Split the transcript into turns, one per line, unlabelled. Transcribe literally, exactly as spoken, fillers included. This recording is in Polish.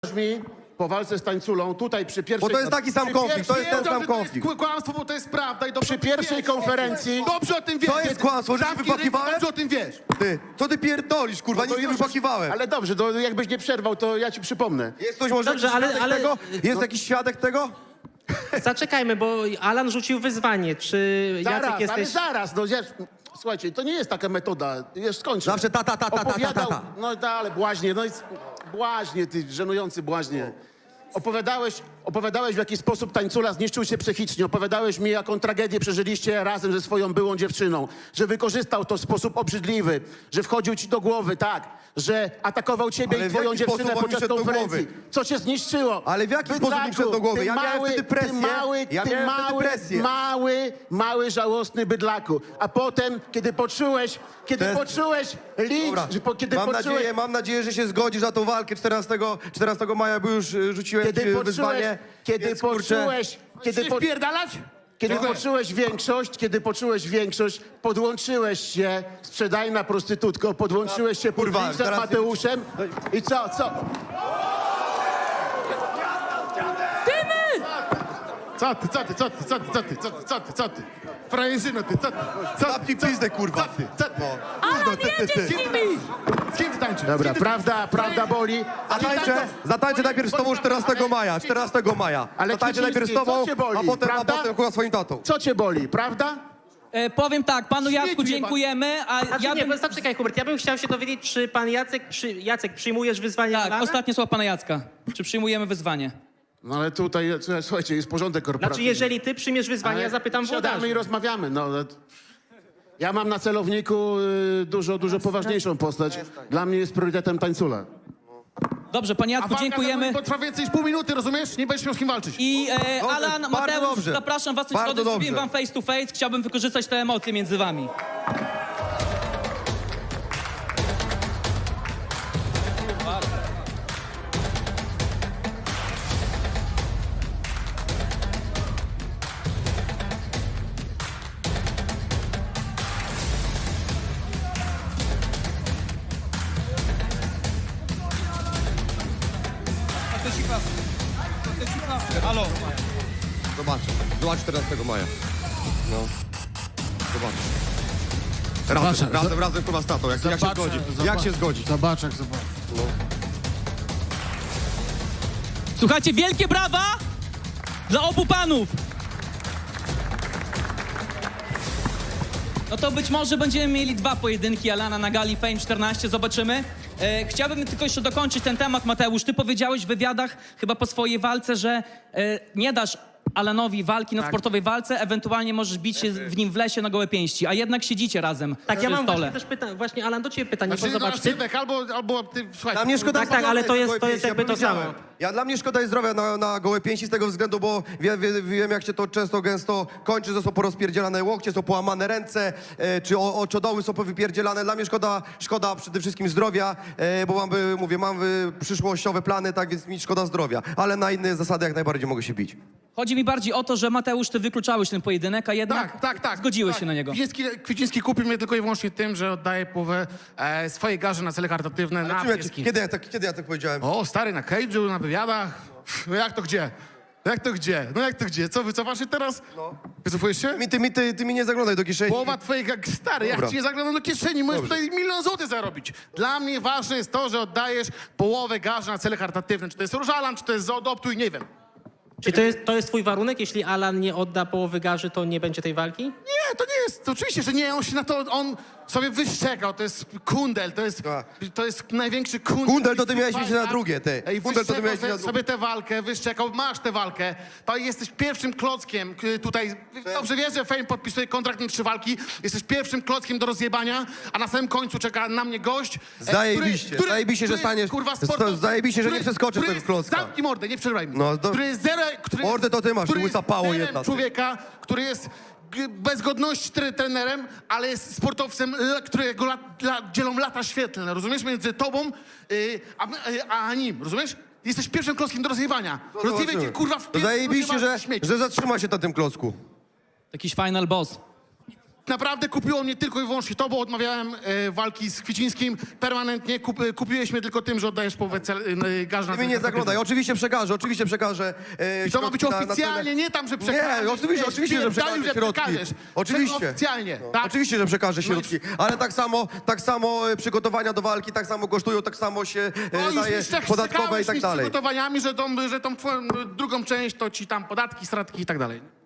mi po walce z tańculą, tutaj przy pierwszej...
Bo to jest taki sam konflikt, to jest ten sam konflikt.
To jest kłamstwo, bo to jest prawda i dobrze
Przy pierwszej konferencji...
Dobrze o tym wiesz.
To jest kłamstwo, że się
Zamknij ryj,
wypakiwałem?
Dobrze o tym wiesz.
Ty, co ty pierdolisz, kurwa, nic nie
już-
wypakiwałem.
Ale dobrze, to jakbyś nie przerwał, to ja ci przypomnę.
Jest ktoś może
Dobrze,
jakiś
ale-
świadek
ale-
tego? Jest
no-
jakiś świadek tego?
Zaczekajmy, bo Alan rzucił wyzwanie. Czy Jacek
Zaraz, ale
jesteś...
zaraz, no ja, słuchajcie, to nie jest taka metoda, już skończę.
Zawsze ta, ta, ta, ta, ta, ta,
Opowiadał,
ta.
no da, ale błaźnie, no i błaźnie, ty żenujący błaźnie. Opowiadałeś, opowiadałeś, w jaki sposób tańcula zniszczył się psychicznie. Opowiadałeś mi, jaką tragedię przeżyliście razem ze swoją byłą dziewczyną. Że wykorzystał to w sposób obrzydliwy. Że wchodził ci do głowy, tak. Że atakował ciebie
Ale
i
w
twoją
jaki
dziewczynę
sposób on mi
podczas
wszedł do
konferencji.
głowy?
Co cię zniszczyło?
Ale w jaki
Bydlaku,
sposób mi wszedł do głowy?
ty
Ja miałem
mały,
wtedy presję.
Ty mały,
Ja
ty
miałem wtedy
mały,
presję.
mały, mały, żałosny bydlaku. A potem, kiedy poczułeś, kiedy
To jest-
poczułeś licz,
Dobra,
że po, kiedy
mam,
poczułeś...
nadzieję, mam nadzieję, że się zgodzisz na tą walkę czternastego, czternastego maja, bo już y, rzuciłem
Kiedy
ci
poczułeś,
wyzwanie.
kiedy
Więc, kurczę,
poczułeś, kiedy,
Się
po,
wpierdalać?
kiedy
Dziękuję.
poczułeś większość, kiedy poczułeś większość, podłączyłeś się, sprzedajna prostytutko, podłączyłeś się pod
Kurwa,
Liczem
teraz-
Mateuszem i co, co?
Co ty, co ty, co ty, co ty, co ty, co ty, co ty, co ty? Frajerzyno ty, co ty? Co
Zamknij pizdę, kurwa.
Co ty, co ty?
No.
Kurwa, ty, ty, ty. Z kim ty, z kim ty tańczysz?
Dobra,
Z kim ty-
prawda, prawda boli. A ty
Zatańczę,
tak-
zatańczę najpierw z tobą czternastego maja, czternastego maja.
Ale
Zatańczę
Kwieciński,
najpierw z tobą,
co cię boli,
a potem, a
prawda?
potem chyba swoim tatą.
Co cię boli, prawda?
E, powiem tak, panu Jacku
Śmieci
dziękujemy, a
Znaczy,
ja
nie,
bym...
zaczekaj, Hubert, ja bym chciał się dowiedzieć, czy pan Jacek, przy... Jacek przyjmujesz wyzwanie
Tak,
Alana?
ostatnie słowa pana Jacka. Czy przyjmujemy wyzwanie?
No ale tutaj, słuchajcie, jest porządek
Znaczy,
korporacyjny.
jeżeli ty przyjmiesz wyzwanie,
Ale
ja zapytam
siadamy
włodarzy.
i rozmawiamy. No, ale ja mam na celowniku y, dużo, dużo poważniejszą postać. Dla mnie jest priorytetem tańcula.
Dobrze, panie
A
Jacku,
walka
dziękujemy.
Potrwa więcej niż pół minuty, rozumiesz? Nie będziesz miał z kim walczyć.
I e,
Dobrze,
Alan,
bardzo
Mateusz,
dobrze.
zapraszam was w
Bardzo
środę, zrobiłem
dobrze.
wam face to face. Chciałbym wykorzystać te emocje między wami.
Halo. Zobaczę. Zobacz czternastego maja. No. Zobacz. Razem,
Zobaczę.
razem, razem chyba z tatą. Jak, jak się
Zobaczę,
zgodzi?
zobaczę.
Jak się zgodzi?
Zobacz, jak zobacz.
Słuchajcie, wielkie brawa dla obu panów. No to być może będziemy mieli dwa pojedynki Alana na gali Fame czternaście, zobaczymy. E, chciałbym tylko jeszcze dokończyć ten temat, Mateusz. Ty powiedziałeś w wywiadach, chyba po swojej walce, że e, nie dasz Alanowi walki na sportowej walce, ewentualnie możesz bić się w nim w lesie na gołe pięści, a jednak siedzicie razem
Tak,
przy
ja mam
stole.
właśnie też pytanie, właśnie Alan, do ciebie pytanie,
Znaczy,
bo
no,
zobacz, ty...
Sylwek, albo, albo ty, słuchaj...
Dla mnie szkoda
Tak, tak, ale to jest-
gołe
to jest
pięści,
jakby
ja
to
powiedziałem.
samo.
Ja dla mnie szkoda jest zdrowia na, na gołe pięści z tego względu, bo wie, wie, wiem jak się to często gęsto kończy, że są porozpierdzielane łokcie, są połamane ręce, e, czy o, oczodoły są powypierdzielane. Dla mnie szkoda, szkoda przede wszystkim zdrowia, e, bo mam, y, mówię, mam y, przyszłościowe plany, tak więc mi szkoda zdrowia. Ale na inne zasady jak najbardziej mogę się bić.
Chodzi mi bardziej o to, że Mateusz, ty wykluczałeś ten pojedynek, a jednak
Tak, tak, tak.
zgodziłeś
tak.
się na niego.
Kwiciński, Kwiciński kupił mnie tylko i wyłącznie tym, że oddaje połowę e, swojej garzy na cele charytatywne, na
Czym ja,
pieski.
kiedy, ja tak, kiedy ja tak powiedziałem?
O, stary, na cage'u, na wywiadach. No jak to gdzie? Jak to gdzie? No jak to gdzie? Co, wycofasz się teraz? No. Wycofujesz się?
Mi, ty, mi, ty, ty mi nie zaglądaj do kieszeni.
Połowa twoich, jak stary,
Dobra.
jak ci nie zaglądam do kieszeni, możesz
Dobrze.
tutaj milion złotych zarobić. Dla mnie ważne jest to, że oddajesz połowę garzy na cele charytatywne. Czy to jest Różalan, czy to jest Zoodoptuj, nie wiem.
Czy to jest, to jest twój warunek? Jeśli Alan nie odda połowy garzy, to nie będzie tej walki?
Nie, to nie jest, to oczywiście, że nie, on się na to, on sobie wyszczekał, to jest kundel, to jest,
Tak.
to jest największy kundel.
Kundel to ty miałeś mieć na drugie, ty.
Ej,
Kundel to ty
wyszczekał
miałeś mieć
sobie,
na drugie.
sobie tę walkę, wyszczekał, masz tę walkę, to jesteś pierwszym klockiem y, tutaj, dobrze wiesz, że Fame podpisuje kontrakt na trzy walki, jesteś pierwszym klockiem do rozjebania, a na samym końcu czeka na mnie gość, e,
Zajebiście, zajebiście, że staniesz-
kurwa,
to-
sportow-
zajebiście, że nie
który-
przeskoczysz
który
tego klocka.
Zamknij mordę, nie przerywaj mi.
No, do-
Który jest zero, który
Mordę to ty masz,
który
łysa
jest
pało
zerem
jedna, ty.
człowieka, który jest g- bez godności tre- trenerem, ale jest sportowcem, l- którego lat, lat, dzielą lata świetlne, rozumiesz? Między tobą y, a, y, a nim, rozumiesz? Jesteś pierwszym klockiem do rozjebania. Rozjebaj cię,
Zobaczymy.
kurwa, w
To
pier-
zajebiście, że,
rozjebany śmieć.
że zatrzyma się na tym klocku.
Jakiś final boss.
Naprawdę kupiło mnie tylko i wyłącznie to, bo odmawiałem e, walki z Kwicińskim permanentnie. Kup, e, kupiłeś mnie tylko tym, że oddajesz połowę cel, e, garzy na
Ty mi nie zaglądaj, oczywiście przekażę, oczywiście przekażę. E,
I to ma być
środki na- na
oficjalnie,
cenę.
nie tam, że przekażesz.
Nie, oczywiście,
wiesz,
oczywiście, że
pierdolił,
przekażę środki.
przekażesz.
Oczywiście.
Tylko oficjalnie, tak?
Oczywiście, że przekażę
No i-
środki, ale tak samo, tak samo e, przygotowania do walki, tak samo kosztują, tak samo się
O,
e,
już
daje
mi szczek-
podatkowe i
szczekałeś
tak
mi z
dalej.
przygotowaniami, że tą, że tą twoją drugą część to ci tam podatki, stratki i tak dalej.